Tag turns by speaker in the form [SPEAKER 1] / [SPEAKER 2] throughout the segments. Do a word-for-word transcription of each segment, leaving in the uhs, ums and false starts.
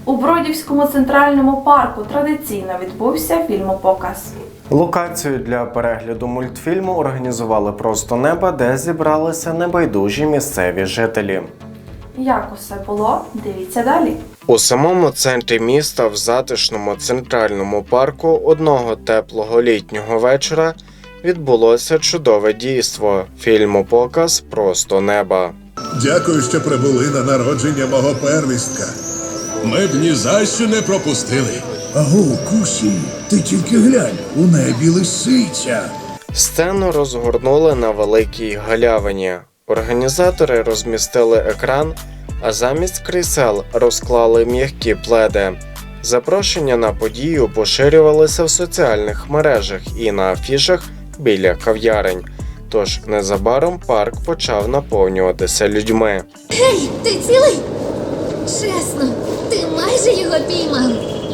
[SPEAKER 1] У Бродівському центральному парку традиційно відбувся фільмопоказ.
[SPEAKER 2] Локацію для перегляду мультфільму організували «Просто неба», де зібралися небайдужі місцеві жителі.
[SPEAKER 1] Як усе було? Дивіться далі.
[SPEAKER 2] У самому центрі міста, в затишному центральному парку, одного теплого літнього вечора відбулося чудове дійство – фільмопоказ «Просто неба».
[SPEAKER 3] Дякую, що прибули на народження мого первістка.
[SPEAKER 4] Ми б ні за що не пропустили.
[SPEAKER 3] Аго, Кусі, ти тільки глянь, у небі лисиця.
[SPEAKER 2] Сцену розгорнули на великій галявині. Організатори розмістили екран, а замість крісел розклали м'які пледи. Запрошення на подію поширювалися в соціальних мережах і на афішах біля кав'ярень. Тож незабаром парк почав наповнюватися людьми.
[SPEAKER 5] Гей, ти цілий? Чесно, ти майже його піймав.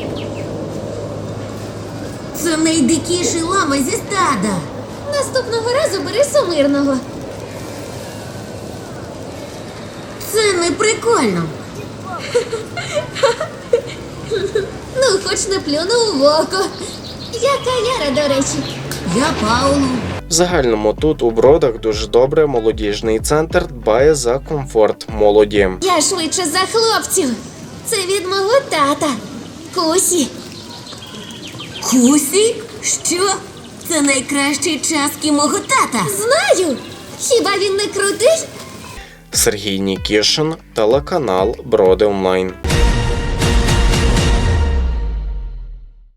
[SPEAKER 5] Це найдикіший лама зі стада. Наступного разу бери сумирного. Це не прикольно. Ну, хоч не плюнув в око. Яка Яра, до речі? Я Паулу.
[SPEAKER 2] В загальному тут у Бродах дуже добре молодіжний центр дбає за комфорт молоді.
[SPEAKER 5] Я швидше за хлопців. Це від мого тата. Кусі. Кусі? Що? Це найкращі часки мого тата. Знаю. Хіба він не крутий?
[SPEAKER 2] Сергій Нікішин, телеканал Броди Онлайн.